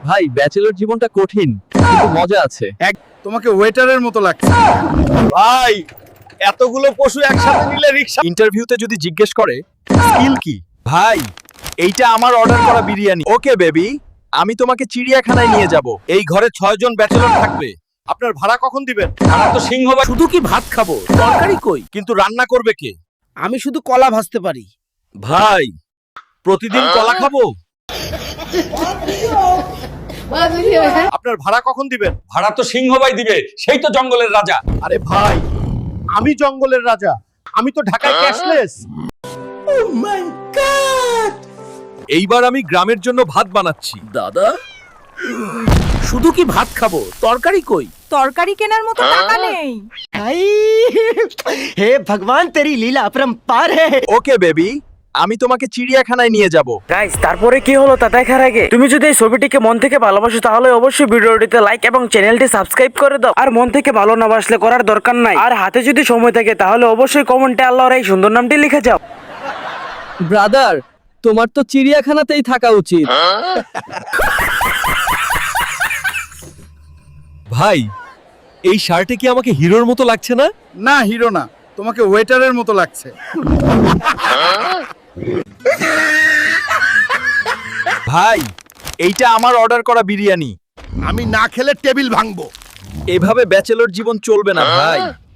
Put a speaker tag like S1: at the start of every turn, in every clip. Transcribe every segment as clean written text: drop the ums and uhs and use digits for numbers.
S1: ভাই ব্যাচেলর জীবনটা কঠিন কিন্তু মজা আছে।
S2: তোমাকে ওয়েটারের মতো লাগছে।
S3: ভাই এতগুলো পশু একসাথে নিলে রিকশা। ইন্টারভিউতে যদি জিজ্ঞেস করে স্কিল কি, ভাই এইটা আমার অর্ডার করা বিরিয়ানি। ওকে বেবি, আমি তোমাকে চিড়িয়াখানায় নিয়ে যাব। এই ঘরে 6 জন ব্যাচেলর থাকবে। আপনার ভাড়া কখন দিবেন? ভাড়া তো সিংহভাগ।
S2: শুধু কি ভাত খাবো, তরকারি কই?
S3: কিন্তু রান্না করবে কে?
S2: আমি শুধু কলা ভাজতে পারি।
S3: ভাই প্রতিদিন কলা খাবো। আপনার ভাড়া কখন দিবেন? ভাড়া তো সিংহভাই দিবে, সেই তো জঙ্গলের রাজা।
S2: আরে ভাই, আমি জঙ্গলের রাজা, আমি তো ঢাকায় ক্যাশলেস।
S3: এইবার আমি গ্রামের জন্য ভাত বানাচ্ছি।
S2: দাদা, শুধু কি ভাত খাবো, তরকারি কই?
S4: তরকারি কেনার মতো টাকা নেই।
S5: हे भगवान तेरी लीला अपरंपार है।
S3: ওকে বেবি, আমি তোমাকে চিড়িয়াখানায় নিয়ে যাব।
S6: গাইস, তারপরে কি হলো তা দেখার আগে তুমি যদি এই ছবিটিকে মন থেকে ভালোবাসো তাহলে অবশ্যই ভিডিওটিতে লাইক এবং চ্যানেলটি সাবস্ক্রাইব করে দাও। আর মন থেকে ভালো না বাসলে করার দরকার নাই। আর হাতে যদি সময় থাকে তাহলে অবশ্যই কমেন্টে আল্লাহর এই সুন্দর নামটি লিখে যাও।
S1: ব্রাদার, তোমার তো চিড়িয়াখানাতেই থাকা উচিত।
S3: ভাই এই শার্টে কি আমাকে হিরোর মতো লাগছে না?
S2: না, হিরো না, তোমাকে ওয়েটারের মতো লাগছে।
S3: ভাই এইটা আমার অর্ডার করা বিরিয়ানি।
S2: আমি না খেলে টেবিল ভাঙবো।
S3: এভাবে ব্যাচেলর জীবন চলবে না ভাই।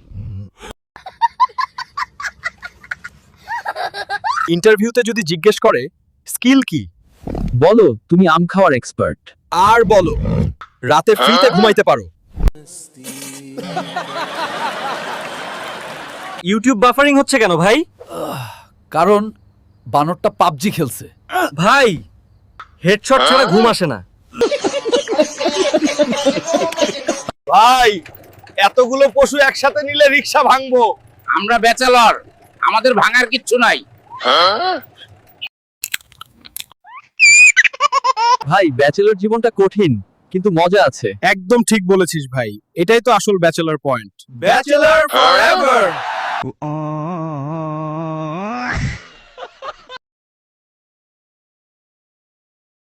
S3: ইন্টারভিউতে যদি জিজ্ঞেস করে স্কিল কি,
S1: বলো তুমি আম খাওয়ার এক্সপার্ট।
S3: আর বলো রাতে ফ্রিতে ঘুমাইতে পারো। ইউটিউব বাফারিং হচ্ছে কেন ভাই?
S1: কারণ বানরটা পাবজি খেলছে।
S3: ভাই হেডশট ছাড়া ঘুম আসে না। ভাই এতগুলো পশু একসাথে নিলে রিকশা ভাঙবো।
S7: আমরা ব্যাচেলর, আমাদের ভাঙার কিচ্ছু নাই।
S1: ভাই ব্যাচেলর জীবনটা কঠিন কিন্তু মজা আছে।
S2: একদম ঠিক বলেছিস ভাই, এটাই তো আসল ব্যাচেলর পয়েন্ট।
S3: Bachelor forever.